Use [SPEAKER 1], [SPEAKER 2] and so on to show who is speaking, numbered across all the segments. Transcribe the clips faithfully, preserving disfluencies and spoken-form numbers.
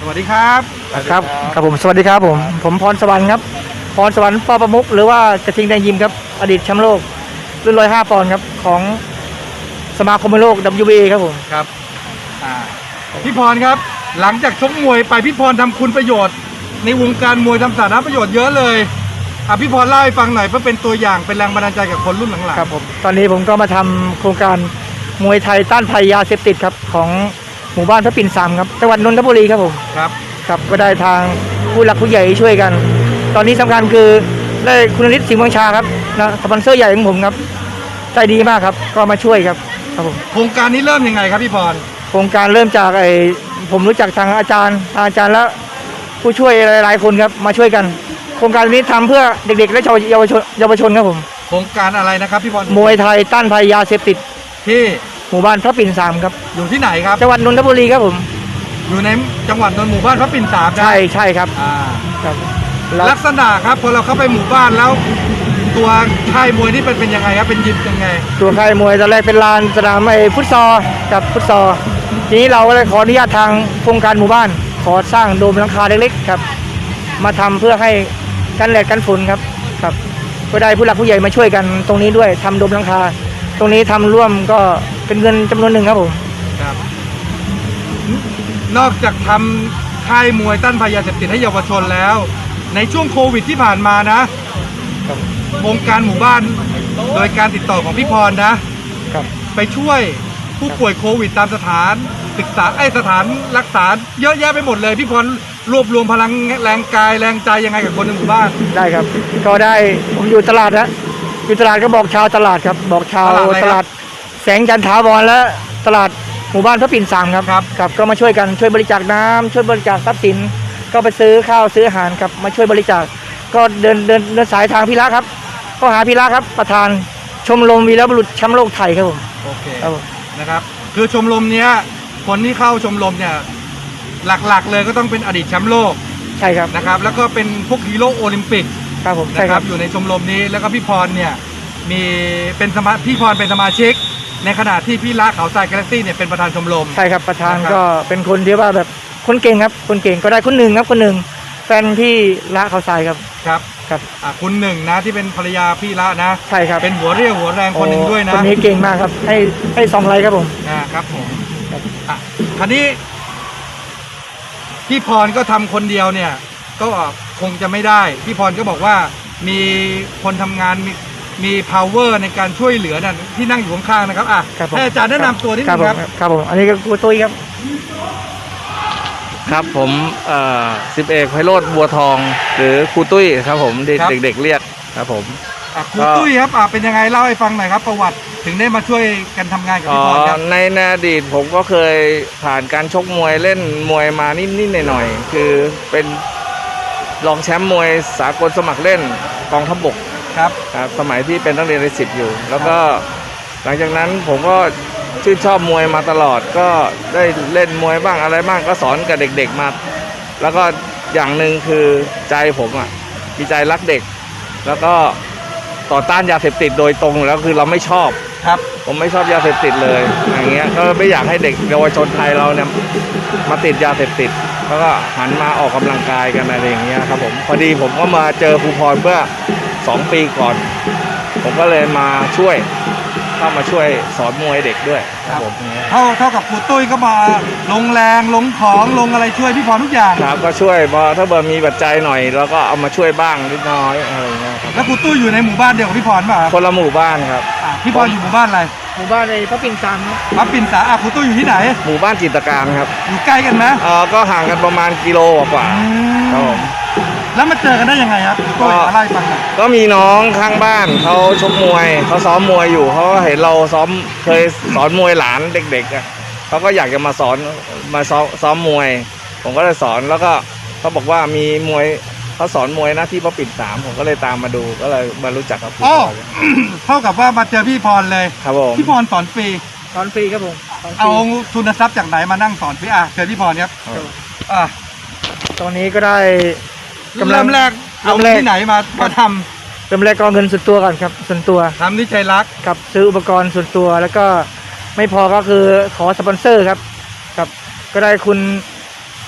[SPEAKER 1] สวัสดีครับ
[SPEAKER 2] ครับครับผมสวัสดีครับผมผมพรสวรรค์ครับพรสวรรค์ปอประมุขหรือว่ากระทิงแดงยิมครับอดีตแชมป์โลกรุ่นร้อยห้าปอนด์ครับของสมาคมมวยโลก ดับเบิลยู บี เอ ครับผม
[SPEAKER 1] ครับอ่าพี่พรครับหลังจากชกมวยไปพี่พรทำคุณประโยชน์ในวงการมวยทำสาธารณประโยชน์เยอะเลยอ่ะพี่พรเล่าให้ฟังหน่อยเพื่อเป็นตัวอย่างเป็นแรงบันดาลใจกับคนรุ่นหลังๆ
[SPEAKER 2] ครับผมตอนนี้ผมก็มาทำโครงการมวยไทยต้านภัยยาเสพติดครับของหมู่บ้านพระปิ่นสามครับจังหวัดนนทบุรีครับผม
[SPEAKER 1] ครับ
[SPEAKER 2] ครับก็ได้ทางผู้หลักผู้ใหญ่ช่วยกันตอนนี้สำคัญคือได้คุณฤทธิ์สิงห์วังชาครับนะสปอนเซอร์ใหญ่ของผมครับใจดีมากครับก็มาช่วยครับครับผม
[SPEAKER 1] โครงการนี้เริ่มยังไงครับพี่พร
[SPEAKER 2] โครงการเริ่มจากไอ้ผมรู้จักทางอาจารย์อาจารย์และผู้ช่วยหลายๆคนครับมาช่วยกันโครงการนี้ทำเพื่อเด็กๆและเยาวชนเยาวชนครับผม
[SPEAKER 1] โครงการอะไรนะครับพี่พร
[SPEAKER 2] มวยไทยต้านภัยยาเสพติด
[SPEAKER 1] ที่
[SPEAKER 2] หมู่บ้านพระปิ่นสามครับ
[SPEAKER 1] อยู่ที่ไหนครับ
[SPEAKER 2] จังหวัดนนทบุรีครับผม
[SPEAKER 1] อยู่ในจังหวัดนนทหมู่บ้านพระปิ่นสาม
[SPEAKER 2] ใช่ใช่ครับ
[SPEAKER 1] อ่า
[SPEAKER 2] ครับ
[SPEAKER 1] ลักษณะครับพอเราเข้าไปหมู่บ้านแล้วตัวค่ายมวยนี่เป็นเป็นยังไงครับเป็นยิมยังไง
[SPEAKER 2] ตัวค่ายมวยตอนแรกเป็นลานสนามไอ้ฟุตซอลกับฟุตซอลทีนี้เราก็เลยขออนุญาตทางโครงการหมู่บ้านขอสร้างโดมหลังคาเล็กๆครับมาทำเพื่อให้กันแดดกันฝนครับครับก็ได้ผู้หลักผู้ใหญ่มาช่วยกันตรงนี้ด้วยทำโดมหลังคาตรงนี้ทำร่วมก็เป็นเงินจำนวนหนึ่งครับผม
[SPEAKER 1] ครับนอกจากทำค่ายมวยต้านภัยยาเสพติดให้เยาวชนแล้วในช่วงโควิดที่ผ่านมานะวงการหมู่บ้านโดยการติดต่อของพี่พรนะครับไปช่วยผู้ป่วยโควิดตามสถานศึกษาไอ้สถานรักษาเยอะแยะไปหมดเลยพี่พรรวบรวมพลังแรงกายแรงใจยังไงกับคนในหมู่บ้าน
[SPEAKER 2] ได้ครับก็ได้ผมอยู่ตลาดนะอยู่ตลาดก็บอกชาวตลาดครับบอกชาวตลาดแสงจันทาวรและตลาดหมู่บ้านพระปิ่นสามครับครับก็มาช่วยกันช่วยบริจาคน้ำช่วยบริจาคทรัพย์สินก็ไปซื้อข้าวซื้ออาหารครับมาช่วยบริจาคก็เดินเดินเดินสายทางพิระครับก็หาพิระครับประธานชมรมวีรบุรุษแชมป์โลกไทยครับผม
[SPEAKER 1] โอเคนะครับคือชมรมเนี้ยคนที่เข้าชมรมเนี่ยหลักๆเลยก็ต้องเป็นอดีตแชมป์โลก
[SPEAKER 2] ใช่ครับ
[SPEAKER 1] นะครับแล้วก็เป็นพวกฮีโร่โอลิมปิก
[SPEAKER 2] ครับผม
[SPEAKER 1] นะครับอยู่ในชมรมนี้แล้วก็พี่พรเนี่ยมีเป็นสมาพี่พรเป็นสมาชิกในขณะที่พี่ละเขาทรายกาแล็กซี่เนี่ยเป็นประธานชมรม
[SPEAKER 2] ใช่ครับประธานก็เป็นคนที่ว่าแบบคนเก่งครับคนเก่งก็ได้คนหนึ่งครับคนหนึ่งแฟนพี่ละเขาทรายครับ
[SPEAKER 1] ครับ
[SPEAKER 2] ครับ
[SPEAKER 1] อ่าคุณหนึ่งนะที่เป็นภรรยาพี่ละนะ
[SPEAKER 2] ใช่ครับ
[SPEAKER 1] เป็นหัวเรี่ยวหัวแรงคนหนึ่งด้วยนะ
[SPEAKER 2] คนนี้เก่งมากครับให้ให้สองไลค์ครับผม
[SPEAKER 1] อ่าครับผมอ่ะคราวนี้พี่พรก็ทำคนเดียวเนี่ยก็คงจะไม่ได้พี่พรก็บอกว่ามีคนทำงานมีมี power ในการช่วยเหลือนั่นที่นั่งอยู่ข้างๆนะครับอ่ะให้อาจารย์แนะนำตัวนิดนึงครับ
[SPEAKER 2] ครับผมอันนี้ก็ครูตุ้ยครับ
[SPEAKER 3] ครับผมเอ่อสิบเอกไพโรจน์บัวทองหรือครูตุ้ยครับผมเด็กๆเรียกครับผม
[SPEAKER 1] ครูตุ้ยครับอ่ะเป็นยังไงเล่าให้ฟังหน่อยครับประวัติถึงได้มาช่วยกันทำงานกับพี่พรครับ
[SPEAKER 3] ในอดีตผมก็เคยผ่านการชกมวยเล่นมวยมานิดๆหน่อยๆคือเป็นรองแชมป์มวยสากลสมัครเล่นกองทัพบก
[SPEAKER 1] ครับ
[SPEAKER 3] ครับสมัยที่เป็นนักเรียนในสิบอยู่แล้วก็หลังจากนั้นผมก็ชื่นชอบมวยมาตลอดก็ได้เล่นมวยบ้างอะไรบ้างก็สอนกับเด็กๆมาแล้วก็อย่างหนึ่งคือใจผมอ่ะมีใจรักเด็กแล้วก็ต่อต้านยาเสพติดโดยตรงแล้วคือเราไม่ชอบ
[SPEAKER 1] ครับ
[SPEAKER 3] ผมไม่ชอบยาเสพติดเลยอย่างเงี้ยก็ไม่อยากให้เด็กเยาวชนไทยเราเนี่ยมาติดยาเสพติดแล้วก็หันมาออกกำลังกายกันอะไรอย่างเงี้ยครับผมพอดีผมก็มาเจอครูพรเมื่อสองปีก่อนผมก็เลยมาช่วยเข้ามาช่วยสอนมวยเด็กด้วย
[SPEAKER 1] ครับผมเท่าเท่ากับครูตุ้ยก็มาลงแรงลงของลงอะไรช่วยพี่พรทุกอย่าง
[SPEAKER 3] ครับก็ช่วยพอถ้าเบอร์มีปัจจัยหน่อยแล้วก็เอามาช่วยบ้างนิดน้อยอะไรเงี้ยครับ
[SPEAKER 1] แล้วครูตุ้ยอยู่ในหมู่บ้านเดียวกับพี่พรป่ะ
[SPEAKER 3] คนละหมู่บ้านครับ
[SPEAKER 1] พี่พรอยู่หมู่บ้านอะไร
[SPEAKER 2] หมู่บ้านในพระปิ่นสามครับ
[SPEAKER 1] พระปิ่นสามอ่ะครูตุ้ยอยู่ที่ไหน
[SPEAKER 3] หมู่บ้านจิตรการครับ
[SPEAKER 1] อยู่ใกล้กันไหม
[SPEAKER 3] เออก็ห่างกันประมาณกิโลกว่าครับผม
[SPEAKER 1] แล้วมาเจอกันได้ยังไงครับก็อะไรฟังหน่อย
[SPEAKER 3] ก็มีน้องข้างบ้านเขาชกมวยเขาซ้อมมวยอยู่เขาเห็นเราซ้อมเคยสอนมวยหลานเด็กๆอ่ะเขาก็อยากจะมาสอนมาซ้อมซ้อมมวยผมก็เลยสอนแล้วก็เขาบอกว่ามีมวยเขาสอนมวยนะที่พระปิ่นสามผมก็เลยตามมาดูก็เลยมารู้จักกับพี่พร
[SPEAKER 1] เท่ากับว่ามาเจอพี่พรเลย
[SPEAKER 3] ครับผม
[SPEAKER 1] พี่พรสอนฟรี
[SPEAKER 2] สอนฟรีครับผม
[SPEAKER 1] เอาทุนทรัพย์จากไหนมานั่งสอนฟรีอ่ะเจอพี่พรครับอ่ะ
[SPEAKER 2] ตอนนี้ก็ได้
[SPEAKER 1] เริ่มแรกเอาที่ไหนมามาท
[SPEAKER 2] ำเริ่มแรกก็เงินส่วนตัวก่อนครับส่วนตัว
[SPEAKER 1] ทำที่ใจรัก
[SPEAKER 2] กับซื้ออุปกรณ์ส่วนตัวแล้วก็ไม่พอก็คือขอสปอนเซอร์ครับครับก็ได้คุณ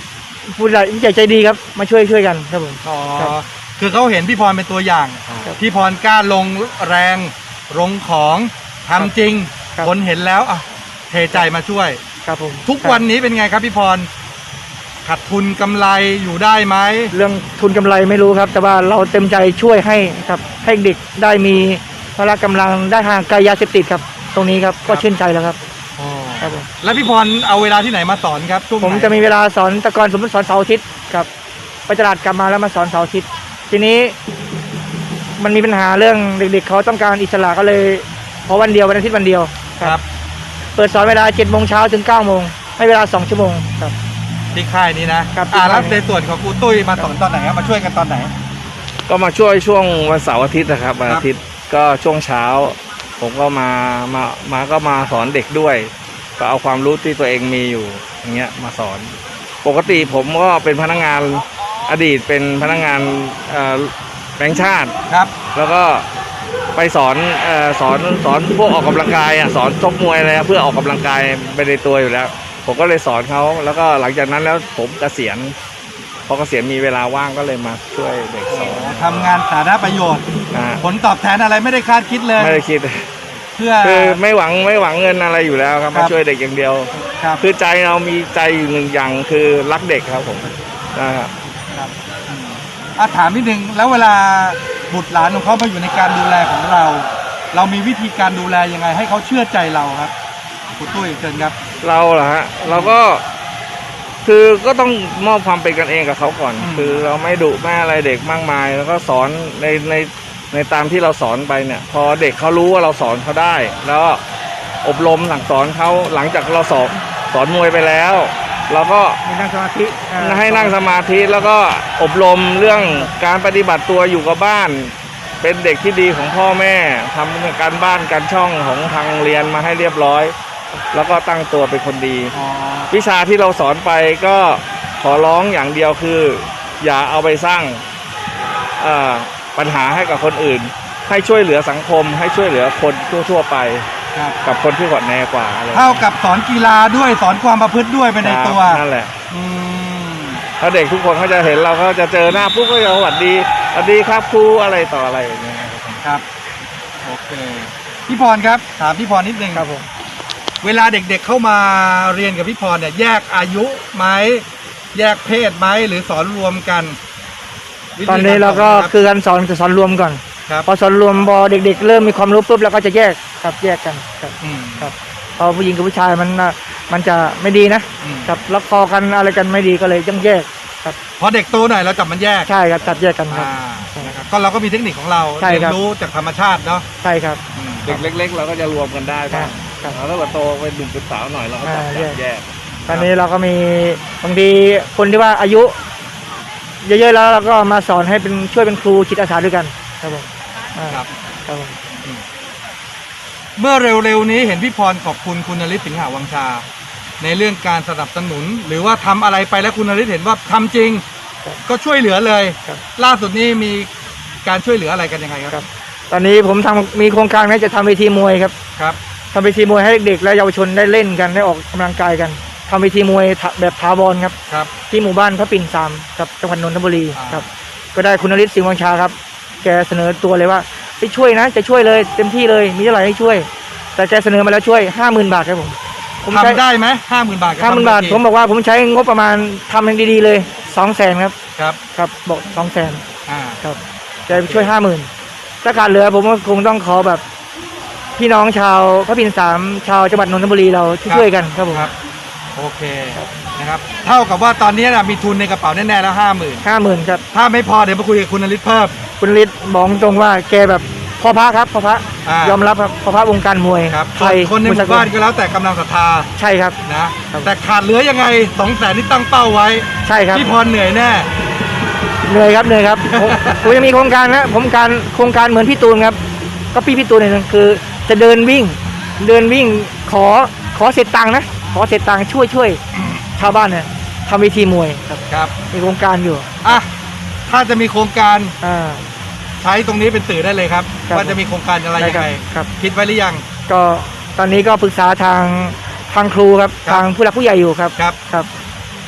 [SPEAKER 2] ผู้ใหญ่ผู้ใหญ่ใจดีครับมาช่วยช่วยกันครับผม
[SPEAKER 1] อ๋อ
[SPEAKER 2] ครับ
[SPEAKER 1] คือเขาเห็นพี่พรเป็นตัวอย่าง
[SPEAKER 2] ครับ
[SPEAKER 1] พี่พรกล้าลงแรงลงของทำจริง
[SPEAKER 2] ครับ
[SPEAKER 1] คนเห็นแล้วอ่ะเทใจมาช่วย
[SPEAKER 2] ครับผม
[SPEAKER 1] ทุกวันนี้เป็นไงครับพี่พรขาดทุนกำไรอยู่ได้ไหม
[SPEAKER 2] เรื่องทุนกำไรไม่รู้ครับ แต่ว่าเราเต็มใจช่วยให้ครับให้เด็กได้มีพละกำลังได้ห่างไกลยาเสพติดครับ ตรงนี้ครับก็ชื่นใจแล้วครับครับผม
[SPEAKER 1] แล้วพี่พรเอาเวลาที่ไหนมาสอนครับช่วงไหน
[SPEAKER 2] ผมจะมีเวลาสอนแต่ก่อนสมมติสอนเสาร์อาทิตย์ครับไปตลาดกลับมาแล้วมาสอนเสาร์อาทิตย์ทีนี้มันมีปัญหาเรื่องเด็กๆเขาต้องการอิสระก็เลยขอวันเดียววันอาทิตย์วันเดียว
[SPEAKER 1] ครับ
[SPEAKER 2] เปิดสอนเวลาเจ็ดโมงเช้าถึงเก้าโมงให้เวลาสองชั่วโมงครับ
[SPEAKER 1] ที่ค่ายนี้นะครับ อ่า
[SPEAKER 2] ที่ค่าย
[SPEAKER 1] แล้วในส่วนของครูตุ้ยมาสอนตอนไหนครับมาช่วยกันตอนไหน
[SPEAKER 3] ก็มาช่วยช่วงวันเสาร์อาทิตย์นะครับวัน
[SPEAKER 1] ครับ
[SPEAKER 3] อาทิตย์ก็ช่วงเช้า ผมก็มามามาก็มาสอนเด็กด้วย ก็เอาความรู้ที่ตัวเองมีอยู่อย่างเงี้ยมาสอน ปกติผมก็เป็นพนักงานอดีตเป็นพนักงานเอ่อแบงค์ชาติ
[SPEAKER 1] ครับ
[SPEAKER 3] แล้วก็ไปสอนเอ่อสอนสอนพวกออกกำลังกายอ่ะสอนชกมวยอะไรอะเพื่อออกกำลังกายไปในตัวอยู่แล้ว ผมก็เลยสอนเขาแล้วก็หลังจากนั้นแล้วผมเกษียณพอเกษียณมีเวลาว่างก็เลยมาช่วยเด็กสอน
[SPEAKER 1] ทำงานสาธารณประโยชน์
[SPEAKER 3] นะ
[SPEAKER 1] ผลตอบแทนอะไรไม่ได้คาดคิดเลย
[SPEAKER 3] ไม่ได้คิด
[SPEAKER 1] เพื่อ
[SPEAKER 3] คือไม่หวังไม่หวังเงินอะไรอยู่แล้วครับ
[SPEAKER 1] ครั
[SPEAKER 3] มา
[SPEAKER 1] บ
[SPEAKER 3] ช่วยเด็กอย่างเดียว
[SPEAKER 1] ครับ
[SPEAKER 3] คือใจเรามีใจอยู่หนึ่งอย่างคือรักเด็กครับผมนะครับ
[SPEAKER 1] ครับอืมอ่ะถามนิดนึงแล้วเวลาบุตรหลานของเขามาอยู่ในการดูแลของเรา เรามีวิธีการดูแลยังไง ให้เขาเชื่อใจเราครับครูตุ้ยเชิญครับ
[SPEAKER 3] เราเหรอฮะเราก็คือก็ต้องมอบความเป็นกันเองกับเขาก่อน
[SPEAKER 1] อืม
[SPEAKER 3] คือเราไม่ดุไม่อะไรเด็กมากมาย แล้วก็สอนในในในตามที่เราสอนไปเนี่ย พอเด็กเขารู้ว่าเราสอนเขาได้ แล้วอบรมสั่งสอนเขาหลังจากเราสอนสอนมวยไปแล้ว เราก็
[SPEAKER 2] มีนั่งสมาธิอ่า
[SPEAKER 3] ให้นั่งสมาธิแล้วก็อบรมเรื่องการปฏิบัติตัวอยู่กับบ้าน เป็นเด็กที่ดีของพ่อแม่ทำการบ้านการช่องของทางโรงเรียนมาให้เรียบร้อย แล้วก็ตั้งตัวเป็นคนดี
[SPEAKER 1] อ๋อ
[SPEAKER 3] วิชาที่เราสอนไปก็ขอร้องอย่างเดียวคือ อย่าเอาไปสร้างเอ่อปัญหาให้กับคนอื่น ให้ช่วยเหลือสังคม ให้ช่วยเหลือคนทั่วๆไป
[SPEAKER 1] ครับ
[SPEAKER 3] กับคนที่ขอดแนกว่าอะไร
[SPEAKER 1] เท่ากับสอนกีฬาด้วยสอนความประพฤติด้วยไปในตัว
[SPEAKER 3] นั่นแหละ
[SPEAKER 1] อืม
[SPEAKER 3] ถ้าเด็กทุกคนเขาจะเห็นเราเขาจะเจอหน้าปุ๊บก็จะสวัสดีสวัสดีครับครูอะไรต่ออะไรอย่างเงี้ยครับ
[SPEAKER 1] ครับโอเคพี่พรครับถามพี่พรนิดนึง
[SPEAKER 2] ครับผม
[SPEAKER 1] เวลาเด็กๆเข้ามาเรียนกับพี่พรเนี่ยแยกอายุไหมแยกเพศไหมหรือสอนรวมกันวิธี
[SPEAKER 2] ตอนนี้เราก็
[SPEAKER 1] สอน
[SPEAKER 2] คือการสอนจะสอนรวมก่อน
[SPEAKER 1] ครับ
[SPEAKER 2] พอสอนรวมพอเด็กๆ เริ่มมีความรู้ปุ๊บเราก็จะแยกครับแยกกันครับ
[SPEAKER 1] อืม
[SPEAKER 2] ครับพอผู้หญิงกับผู้ชายมันน่ะมันจะไม่ดีนะ
[SPEAKER 1] อืม
[SPEAKER 2] ครับล็อกคอกันอะไรกันไม่ดีก็เลยต้องแยกครับ
[SPEAKER 1] พอเด็กโตหน่อยเราจับมันแยก
[SPEAKER 2] ใช่ครับจับแยกกันครับ
[SPEAKER 1] อ่านะครับก็เราก็มีเทคนิคของเรา
[SPEAKER 2] ใช่
[SPEAKER 1] เรีย
[SPEAKER 2] ครับ
[SPEAKER 1] นรู้จากธรรมชาติเนาะ
[SPEAKER 2] ใช่ครับ
[SPEAKER 1] อืม
[SPEAKER 3] เด็กเล็ก ๆ เราก็จะรวมกันได้บ้าง
[SPEAKER 2] ครับ
[SPEAKER 3] แล้วถ้าเกิดโตเป็นหนุ่มเป็นสาวหน่อยเราก็จับ
[SPEAKER 2] อ่า
[SPEAKER 3] จับ
[SPEAKER 2] แยก
[SPEAKER 3] แยก
[SPEAKER 2] ตอนนี้เราก็มีบางทีคนที่ว่าอายุ เยอะๆแล้วเราก็มาสอนให้เป็นช่วยเป็นครูจิตอาสาด้วยกันครับผมอ่า
[SPEAKER 1] ครับ
[SPEAKER 2] ครับผม
[SPEAKER 1] เมื่อเร็วๆนี้เห็นพี่พรขอบคุณคุณนฤทธิ์สิงหาวังชา ในเรื่องการสนับสนุน หรือว่าทำอะไรไปแล้วคุณนฤทธิ์เห็นว่าทำจริง ก็ช่วยเหลือเลย
[SPEAKER 2] ครับ
[SPEAKER 1] ล่าสุดนี้มีการช่วยเหลืออะไรกันยังไงครับ
[SPEAKER 2] ครับ ตอนนี้ผมทำมีโครงการนี้จะทำเวทีมวยครับ
[SPEAKER 1] ครับ
[SPEAKER 2] ทำเวทีมวยให้เด็กๆและเยาวชนได้เล่นกันได้ออกกำลังกายกันทำเวทีมวยถแบบถาวรครับ
[SPEAKER 1] ครับ
[SPEAKER 2] ที่หมู่บ้านพระปิ่นสามกับจังหวัดนนทบุรี
[SPEAKER 1] อ่า
[SPEAKER 2] ครับ ก็ได้คุณนฤทธิ์สิงห์วังชาครับ แกเสนอตัวเลยว่าไปช่วยนะจะช่วยเลยเต็มที่เลยมีเท่าไหร่ให้ช่วย แต่แกเสนอมาแล้วช่วยห้าหมื่นบาทครับผมผมใช้
[SPEAKER 1] ทำได้ไหมห้าหมื่นบาท
[SPEAKER 2] ห้าหมื่นบาทผมบอกว่าผมใช้งบประมาณทำมันดีๆเลยสองแสนครับ
[SPEAKER 1] ครับ
[SPEAKER 2] ครับบอกสองแสน
[SPEAKER 1] อ่า
[SPEAKER 2] ครับแกช่วยห้าหมื่นถ้าขาดเหลือผมก็คงต้องขอแบบ พี่น้องชาวพระปิ่นสามชาวจังหวัดนนทบุรีเราช่วยๆกันครับผม
[SPEAKER 1] ครับโอเคนะครับเท่ากับว่าตอนนี้นะมีทุนในกระเป๋าแน่ๆแล้วห้าหมื่น
[SPEAKER 2] ห้าหมื่นครับ
[SPEAKER 1] ถ้าไม่พอเดี๋ยวมาคุยกับคุณนฤทธิ์เพิ่ม
[SPEAKER 2] คุณฤทธิ์บอกตรงว่าแกแบบพ่อพระครับพ่อพระ
[SPEAKER 1] อ่าย
[SPEAKER 2] อมรับครับพ่อพระวงการมวย
[SPEAKER 1] ครับ
[SPEAKER 2] ไทย
[SPEAKER 1] คนในหมู่บ้านก็แล้วแต่กำลังศรัทธา
[SPEAKER 2] ใช่ครับ
[SPEAKER 1] นะครับ แต่ขาดเหลือยังไงสองแสนที่ตั้งเป้าไว้
[SPEAKER 2] ใช่ครับ
[SPEAKER 1] พี่พรเหนื่อยแน่
[SPEAKER 2] เหนื่อยครับเหนื่อยครับ ผมผมยังมีโครงการนะผมการโครงการเหมือนพี่ตูนครับก็พี่พี่ตูนเนี่ยคือจะเดินวิ่ง เดินวิ่งขอขอเสร็จตังค์นะขอเสร็จตังค์ช่วยช่วยชาวบ้านเนี่ยทำเวทีมวยครับ
[SPEAKER 1] ครับ
[SPEAKER 2] มีโครงการอยู่
[SPEAKER 1] อ่ะถ้าจะมีโครงการ
[SPEAKER 2] อ่า
[SPEAKER 1] ใช้ตรงนี้เป็นสื่อได้เลยครับ
[SPEAKER 2] ครับ
[SPEAKER 1] ว่าจะมีโครงการอะไร
[SPEAKER 2] ได้
[SPEAKER 1] ยัง
[SPEAKER 2] ครับ
[SPEAKER 1] ไง
[SPEAKER 2] ครับ
[SPEAKER 1] คิดไว้หรือยัง
[SPEAKER 2] ก็ตอนนี้ก็ปรึกษาทางทางครูครับ
[SPEAKER 1] ครับ
[SPEAKER 2] ทางผู้หลักผู้ใหญ่อยู่ครับ
[SPEAKER 1] ครับ
[SPEAKER 2] ครับ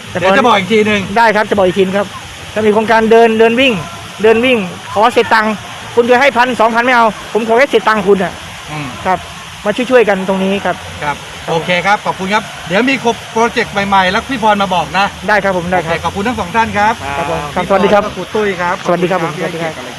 [SPEAKER 1] เดี๋ยวจะบอกอีกทีหนึ่ง
[SPEAKER 2] ได้ครับจะบอกอีกทีครับจะมีโครงการเดินเดินวิ่ง เดินวิ่ง ขอเสร็จตังค์คุณเคยให้พันสองพันไม่เอาผมขอแค่เสร็จตังค์คุณอ่ะ
[SPEAKER 1] อืม
[SPEAKER 2] ครับมาช่วยๆกันตรงนี้ครับ
[SPEAKER 1] ครับโอเคครับขอบคุณครับเดี๋ยวมีโปรเจกต์ใหม่ๆแล้วพี่พรมาบอกนะ
[SPEAKER 2] ได้ครับผมได้
[SPEAKER 1] โอ
[SPEAKER 2] ค
[SPEAKER 1] เครับ ขอบคุณทั้งสองท่านครับ
[SPEAKER 2] ครับผมครับ
[SPEAKER 1] พี่
[SPEAKER 2] สวัสดีครับ
[SPEAKER 1] พและครูตุ้ยครับ
[SPEAKER 2] สวัสดีครับผม
[SPEAKER 1] ขอณที่ให้เกียติกับรายการ